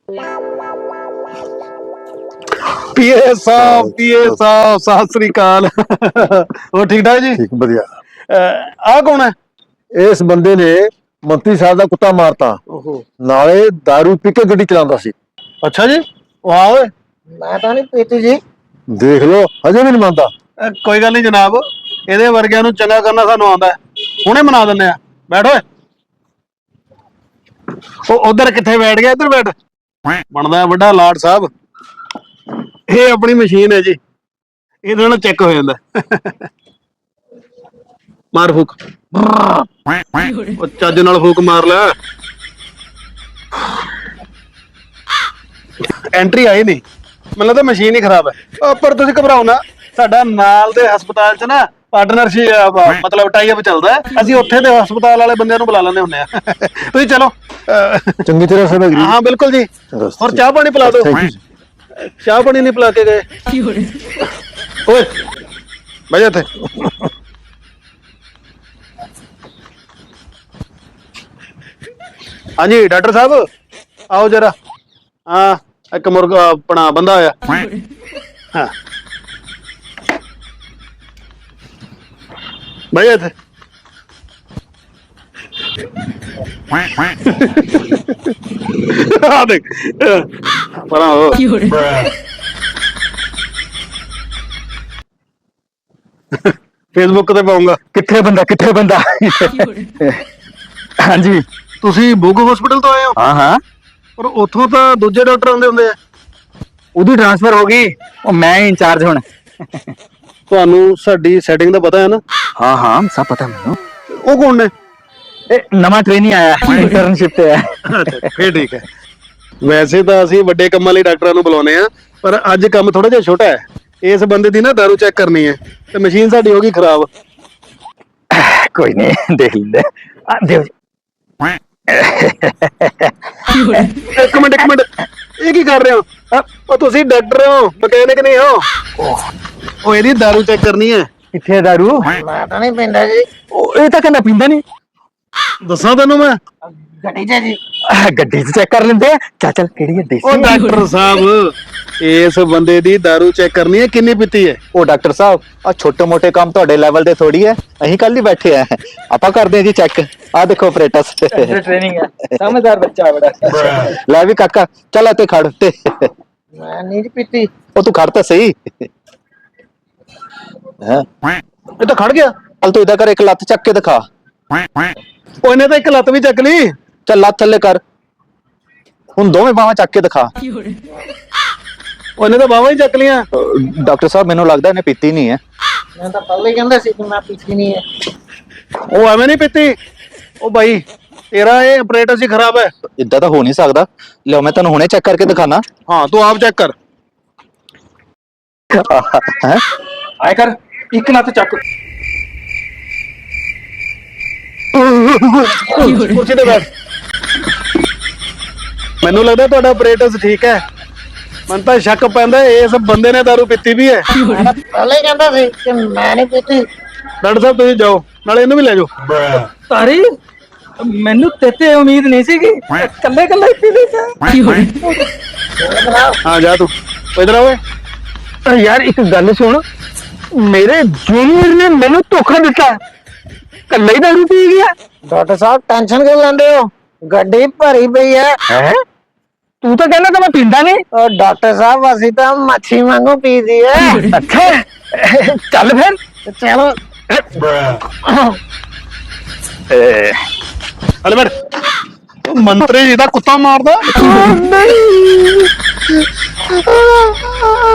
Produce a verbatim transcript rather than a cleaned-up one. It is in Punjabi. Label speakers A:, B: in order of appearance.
A: पीए साहब पीए साहब सत श्री अकाल और ठीक ठाक जी
B: ठीक बढ़िया।
A: आ कौन है?
B: इस बंदे ने मंत्री साहब का कुत्ता मारता नाले दारू पी के गड्डी चलाता सी।
A: अच्छा जी वाह ओए
C: मैं तो नहीं पीती जी।
B: देख लो अजे भी नहीं मानता।
A: अ, कोई गल नहीं जनाब ਇਹਦੇ ਵਰਗਿਆਂ ਨੂੰ ਚੰਗਾ ਕਰਨਾ ਸਾਨੂੰ ਆਉਂਦਾ ਹੈ ਹੁਣੇ ਮਨਾ ਦਿੰਦੇ ਆ ਬੈਠ ਓਏ ਉਹ ਉਧਰ ਕਿੱਥੇ ਬੈਠ ਗਿਆ ਇੱਧਰ ਬੈਠ ਬਣਦਾ ਵੱਡਾ ਲਾਟ ਸਾਹਿਬ ਇਹ ਆਪਣੀ ਮਸ਼ੀਨ ਹੈ ਜੀ ਇਹਦੇ ਨਾਲ ਚੈੱਕ ਹੋ ਜਾਂਦਾ ਮਾਰ ਫੂਕ ਉਹ ਚੱਜ ਨਾਲ ਫੂਕ ਮਾਰ ਲੈ ਐਂਟਰੀ ਆਈ ਨਹੀਂ ਮੈਨੂੰ ਲੱਗਦਾ ਮਸ਼ੀਨ ਹੀ ਖਰਾਬ ਹੈ ਪਰ ਤੁਸੀਂ ਘਬਰਾਓ ਨਾ ਸਾਡਾ ਨਾਲ ਦੇ ਹਸਪਤਾਲ 'ਚ ਨਾ ਪਾਰਟਨਰਸ਼ਿਪ ਮਤਲਬ ਟਾਈ ਅਪ ਚੱਲਦਾ ਹੈ ਅਸੀਂ ਉੱਥੇ ਦੇ ਹਸਪਤਾਲ ਵਾਲੇ ਬੰਦਿਆਂ ਨੂੰ ਬੁਲਾ ਲੈਂਦੇ ਹੁੰਦੇ ਆ ਤੁਸੀਂ ਚਲੋ
B: चंगी तरह से लग रही।
A: हाँ बिल्कुल जी और चाह पानी पिला दो चाह पानी नहीं पिला के गए ओए भाई थे हाँ जी डॉक्टर साहब आओ जरा हाँ एक मुर्गा अपना बंदा आया हाँ भाई थे हाँ देख परा हो फेसबुक ਤੇ ਪਾਉਂਗਾ
B: किथे बंदा किथे बंदा। हाँ जी
A: ਤੁਸੀਂ ਬੁੱਗ ਹਸਪੀਟਲ ਤੋਂ ਆਏ ਹੋ
B: हाँ हाँ
A: ਪਰ ਉੱਥੋਂ ਤਾਂ ਦੂਜੇ ਡਾਕਟਰ ਆਉਂਦੇ ਹੁੰਦੇ ਆ
B: ਉਹਦੀ ट्रांसफर हो गई और मैं इंचार्ज हूं।
A: ਤੁਹਾਨੂੰ ਸਾਡੀ ਸੈਟਿੰਗ ਦਾ ਪਤਾ ਹੈ ਨਾ
B: हाँ हाँ सब पता मैनू।
A: ਉਹ ਕੌਣ ਨੇ
B: ਨਵਾਂ ਟ੍ਰੇਨੀ ਆਇਆ ਇੰਟਰਨਸ਼ਿਪ ਤੇ ਹੈ।
A: ਅੱਛਾ ਫੇਰ ਠੀਕ ਹੈ ਵੈਸੇ ਤਾਂ ਅਸੀਂ ਵੱਡੇ ਕੰਮਾਂ ਲਈ ਡਾਕਟਰਾਂ ਨੂੰ ਬੁਲਾਉਂਦੇ ਆ ਪਰ ਅੱਜ ਕੰਮ ਥੋੜਾ ਜਿਹਾ ਛੋਟਾ ਹੈ ਇਸ ਬੰਦੇ ਦੀ ਨਾ ਦਾਰੂ ਚੈੱਕ ਕਰਨੀ ਹੈ ਤੇ ਮਸ਼ੀਨ ਸਾਡੀ ਹੋ ਗਈ ਖਰਾਬ
B: ਕੋਈ ਨਹੀਂ ਦੇਖ ਲੈਂਦੇ ਆ ਦਿਓ ਜੀ।
A: ਇੱਕ ਮਿੰਟ ਇੱਕ ਮਿੰਟ ਇਹ ਕੀ ਕਰ ਰਹੇ ਹੋ ਅ, ਉਹ ਤੁਸੀਂ ਡਾਕਟਰ ਹੋ ਮਕੈਨਿਕ ਨਹੀਂ ਹੋ ਉਹ ਇਹਦੀ ਦਾਰੂ ਚੈੱਕ ਕਰਨੀ ਹੈ
B: ਕਿੱਥੇ ਦਾਰੂ?
C: मैं तो नहीं पीता जी।
B: ਉਹ ਇਹ ਤਾਂ ਕਹਿੰਦਾ ਪੀਂਦਾ ਨਹੀਂ।
A: ਦੱਸਾਂ ਤੈਨੂੰ ਮੈਂ
C: गड्डी च जी।
B: ਗੱਡੀ 'ਚ ਚੈੱਕ ਕਰ ਲੈਂਦੇ ਆ। ਚੱਲ ਚੱਲ ਕਿਹੜੀ ਹੈ
A: ਉਹ
B: ਦੇਸੀ?
A: ਡਾਕਟਰ ਸਾਹਿਬ ਇਸ ਬੰਦੇ ਦੀ ਦਾਰੂ ਚੈੱਕ ਕਰਨੀ ਹੈ ਕਿੰਨੀ ਪੀਤੀ ਹੈ
B: ਉਹ ਡਾਕਟਰ ਸਾਹਿਬ ਆ ਛੋਟੇ ਮੋਟੇ ਕੰਮ ਤੁਹਾਡੇ ਲੈਵਲ ਦੇ ਥੋੜੀ ਹੈ ਅਸੀਂ ਕੱਲ ਹੀ ਬੈਠੇ ਆ ਆਪਾਂ ਕਰਦੇ ਆ ਜੀ ਚੈੱਕ ਆ ਦੇਖੋ ਆਪਰੇਟਰਸ
C: ट्रेनिंग है समझदार बच्चा बड़ा।
B: ਲੈ ਵੀ ਕਾਕਾ ਚੱਲ ਇੱਥੇ ਖੜ ਤੇ
C: मैं नहीं जी पीती।
B: ਉਹ ਤੂੰ ਖੜ ਤਾਂ ਸਹੀ ਹੈ।
A: ਇਹ ਤਾਂ ਖੜ ਗਿਆ
B: ਚੱਲ ਤੂੰ ਇਦਾਂ ਕਰ ਇੱਕ ਲੱਤ ਚੱਕ ਕੇ ਦਿਖਾ।
A: ਉਹ ਇਹਨੇ ਤਾਂ ਇੱਕ ਲੱਤ ਵੀ ਚੱਕ ਲਈ
B: ਚੱਲ ਲੱਤ ਥੱਲੇ ਕਰ ਹੁਣ ਦੋਵੇਂ ਬਾਹਾਂ ਚੱਕ ਕੇ ਦਿਖਾ।
A: ਉਹ ਇਹਨੇ ਤਾਂ ਬਾਹਾਂ ਹੀ ਚੱਕ ਲੀਆਂ
B: ਅਹ ਡਾਕਟਰ ਸਾਹਿਬ ਮੈਨੂੰ ਲੱਗਦਾ ਇਹਨੇ ਪੀਤੀ ਨਹੀਂ ਹੈ।
C: मैं तो पहले ही कहता सी कि मैं पीती नहीं है।
A: ਉਹ ਐਵੇਂ ਨਹੀਂ ਪੀਤੀ ਉਹ ਬਾਈ ਤੇਰਾ ਇਹ ਆਪਰੇਟਰ ਸੀ ਖਰਾਬ ਹੈ
B: ਇਦਾਂ ਤਾਂ ਹੋ ਨਹੀਂ ਸਕਦਾ। ਲਿਓ ਮੈਂ ਤੈਨੂੰ ਹੁਣੇ ਚੈੱਕ ਕਰਕੇ ਦਿਖਾਣਾ
A: ਹਾਂ ਤੂੰ ਆਪ ਚੈੱਕ ਕਰ
B: ਹੈ।
A: ਆਏ ਕਰ ਇੱਕ ਲੱਤ ਚੱਕ ਕੁਰਸੀ ਤੇ ਬੈਠ ਮੈਨੂੰ ਲੱਗਦਾ ਤੁਹਾਡਾ ਆਪਰੇਟਰ ਠੀਕ ਹੈ ਮੈਨੂੰ ਤਾਂ ਸ਼ੱਕ ਪੈਂਦਾ ਇਸ ਬੰਦੇ ਨੇ ਦਾਰੂ ਪੀਤੀ ਵੀ ਹੈ
C: मैं तो पहले ही कहता सी कि मैं नहीं पीती।
A: ਡਾਕਟਰ ਸਾਹਿਬ ਤੁਸੀਂ ਜਾਓ ਨਾਲੇ ਇਹਨੂੰ ਵੀ ਲੈ ਜਾਓ
D: ਤਾਰੀ ਮੈਨੂੰ ਤੇਤੇ ਉਮੀਦ ਨਹੀਂ ਸੀਗੀ ਕੱਲੇ ਕੱਲੇ ਪੀ ਲਈ
A: ਹਾਂ ਜਾ ਤੂੰ ਇਧਰ ਆ ਓਏ
B: ਯਾਰ ਇੱਕ ਗੱਲ ਸੁਣ ਮੇਰੇ ਜੂਨੀਅਰ ਨੇ ਮੈਨੂੰ ਧੋਖਾ ਦਿੱਤਾ ਕੱਲਾ ਹੀ ਦਾਰੂ ਪੀ ਗਿਆ।
C: डॉक्टर साहब टेंशन क्यों लेंदे हो? गड्डी भरी पई है।
B: ਹੈ ਤੂੰ ਤਾਂ ਕਹਿੰਦਾ ਤਾਂ ਮੈਂ ਪੀਂਦਾ ਨਹੀਂ।
C: और डॉक्टर साहब असि तो मच्छी वांगू पी दी है।
B: ਅੱਛਾ ਚੱਲ ਫਿਰ
C: चलो
A: ਹਲੇ ਬੈਠ ਮੰਤਰੀ ਜੀ ਦਾ ਕੁੱਤਾ ਮਾਰਦਾ
B: ਨਹੀਂ